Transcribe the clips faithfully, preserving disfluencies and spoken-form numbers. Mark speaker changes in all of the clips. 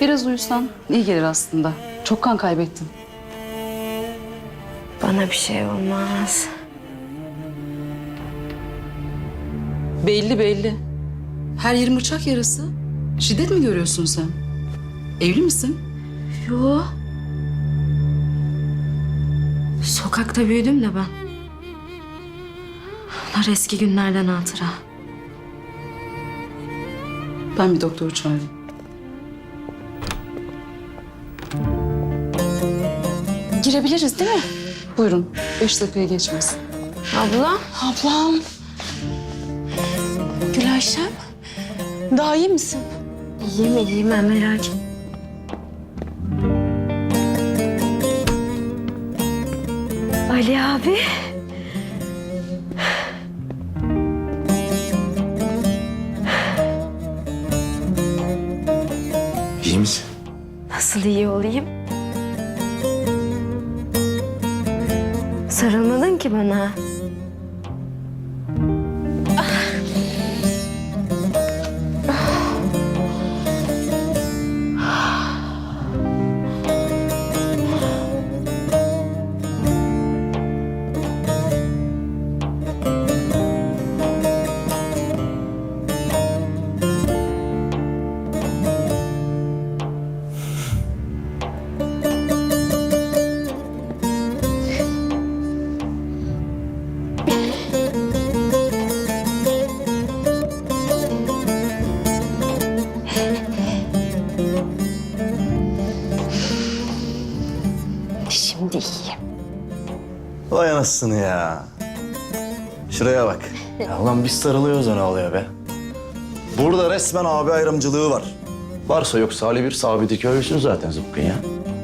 Speaker 1: Biraz uyusan iyi gelir aslında. Çok kan kaybettin.
Speaker 2: Bana bir şey olmaz.
Speaker 1: Belli belli. Her yerin bıçak yarası. Şiddet mi görüyorsun sen? Evli misin?
Speaker 2: Yo. Sokakta büyüdüm de ben. Bunlar eski günlerden hatıra.
Speaker 1: Ben bir doktoru çağırayım. Girebiliriz değil mi? Buyurun. Beş dakikaya geçmez.
Speaker 2: Abla.
Speaker 3: Ablam. Gülayşem. Daha iyi misin?
Speaker 2: İyiyim iyiyim ben merak etme. Ali abi.
Speaker 4: İyi misin?
Speaker 2: Nasıl iyi olayım? Sarılmadın ki bana. Şimdi iyiyim.
Speaker 4: Vay anasını ya. Şuraya bak. Ya ulan biz sarılıyoruz da ne oluyor be? Burada resmen abi ayrımcılığı var. Varsa yoksa Ali bir sabiti köylüsün zaten zıpkın ya.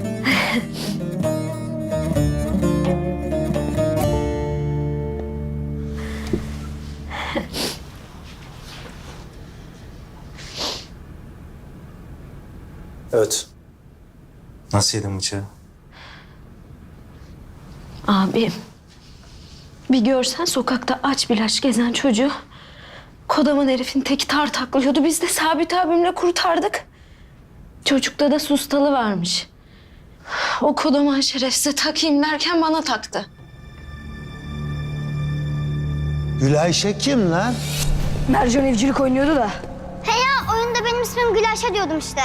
Speaker 4: Evet. Nasıl yedin bıçağı?
Speaker 2: Abim. Bir görsen sokakta aç bilaç gezen çocuğu. Kodaman herifin teki tar taklıyordu. Biz de Sabit abimle kurtardık. Çocukta da sustalı varmış. O kodaman şerefsize takayım derken bana taktı.
Speaker 5: Gülayşe kim lan?
Speaker 2: Mercan evcilik oynuyordu da.
Speaker 6: He ya oyunda benim ismim Gülayşe diyordum işte.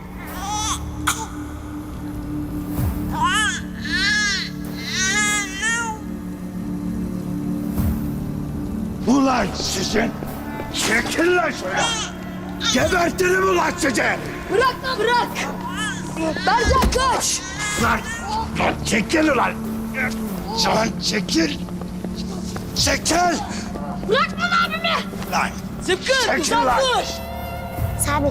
Speaker 5: Ulan sizin! Çekil lan şöyle! Gebertirim ulan sizi!
Speaker 2: Bırak lan bırak! Mercan kaç!
Speaker 5: Lan! Lan çekil ulan! Lan çekil! Çekil!
Speaker 6: Bırakma abimi!
Speaker 5: Lan! Zıpkın! Çekil lan!
Speaker 6: Sabit.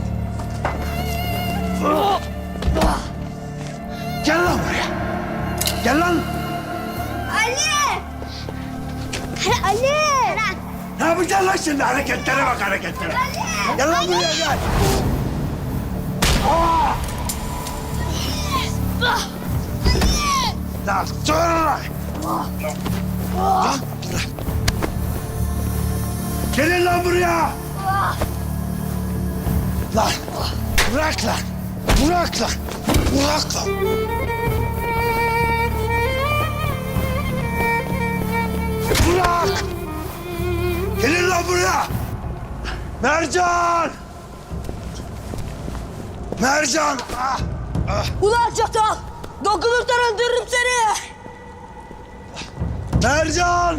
Speaker 5: Gel lan buraya! Gel lan!
Speaker 6: Ali! Ali! Bırak.
Speaker 5: Ne yapacaksın lan şimdi? Hareketlere bak hareketlere! Gel lan buraya gel! Aa! Lan dur lan! Lan bırak! Gelin lan buraya! Lan bırak lan! Bırak lan! Bırak lan! Bırak! Gelin lan buraya! Mercan! Mercan! Ah! Ah!
Speaker 3: Ulan çatal! Dokunursan öldürürüm seni!
Speaker 5: Mercan!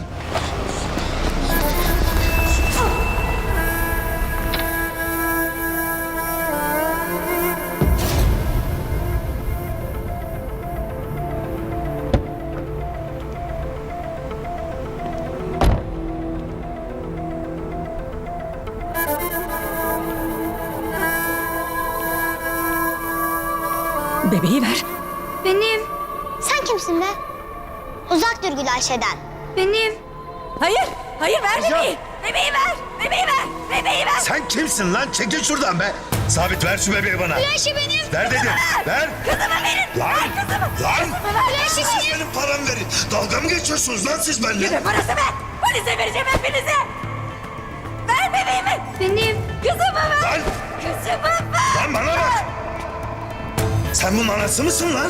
Speaker 3: Bebeği ver.
Speaker 6: Benim. Sen kimsin be? Uzak dur Gülayşe'den. Benim.
Speaker 3: Hayır, hayır ver bebeği. Bebeği ver, bebeği ver, bebeği ver.
Speaker 5: Sen kimsin lan? Çekil şuradan be! Sabit ver şu bebeği bana.
Speaker 6: Gülayşe benim.
Speaker 5: Ver dedim. Ver.
Speaker 3: Kızımı verin.
Speaker 5: Lan.
Speaker 3: Ver kızımı.
Speaker 5: Lan.
Speaker 6: Gülayşe
Speaker 5: Siz
Speaker 6: benim.
Speaker 5: benim paramı verin. Dalga mı geçiyorsunuz lan siz benimle?
Speaker 3: Yürü parası ver. Polise vereceğim hepinize. Ver bebeğimi.
Speaker 6: Benim.
Speaker 3: Kızımı ver.
Speaker 5: Lan.
Speaker 3: Kızımı ver.
Speaker 5: Lan bana bak. Sen bunun anası mısın lan?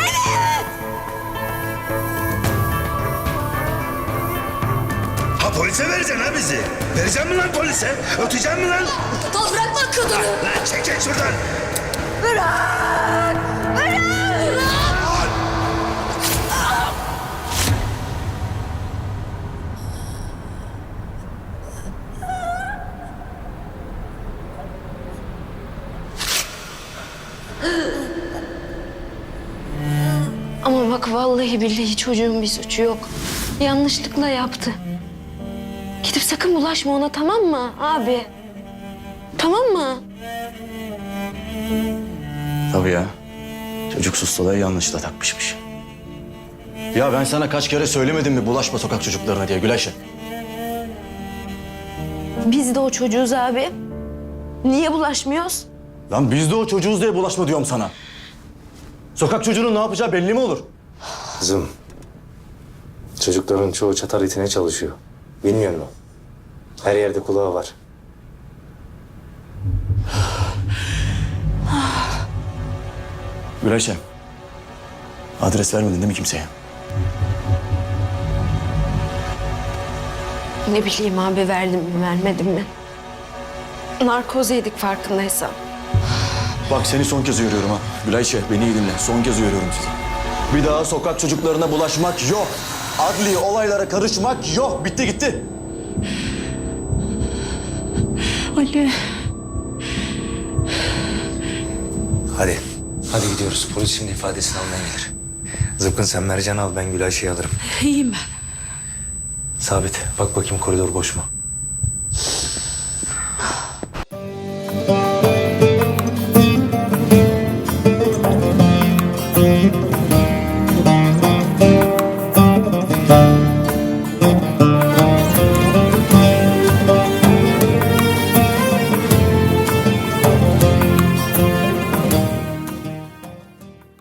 Speaker 5: Ha polise vereceksin ha bizi. Vereceksin mi lan polise? Öteceksin mi lan?
Speaker 3: Tol bırakma kadını.
Speaker 5: Lan çek çek şuradan.
Speaker 3: Bırak. Bırak.
Speaker 2: Ama bak vallahi billahi çocuğun bir suçu yok. Yanlışlıkla yaptı. Gidip sakın bulaşma ona, tamam mı abi? Tamam mı?
Speaker 4: Tabii ya. Çocuk sustalığı yanlışla takmışmış. Ya ben sana kaç kere söylemedim mi bulaşma sokak çocuklarına diye Gülayşe?
Speaker 2: Biz de o çocuğuz abi. Niye bulaşmıyoruz?
Speaker 4: Lan biz de o çocuğuz diye bulaşma diyorum sana. Sokak çocuğunun ne yapacağı belli mi olur?
Speaker 7: Kızım, çocukların çoğu çatar itine çalışıyor. Bilmiyor musun? Her yerde kulağı var.
Speaker 4: Gülayşe, adres vermedin değil mi kimseye?
Speaker 2: Ne bileyim abi, verdim mi vermedim mi? Narkoz yedik farkındaysan.
Speaker 4: Bak seni son kez uyarıyorum ha. Gülayşe beni iyi dinle. Son kez uyarıyorum sizi. Bir daha sokak çocuklarına bulaşmak yok. Adli olaylara karışmak yok. Bitti gitti.
Speaker 1: Ali.
Speaker 7: Hadi. Hadi gidiyoruz. Polis şimdi ifadesini almaya gelir. Zıpkın sen Mercan'ı al, ben Gülayşe'yi alırım.
Speaker 1: İyiyim ben.
Speaker 7: Sabit, bak bakayım koridor boş mu?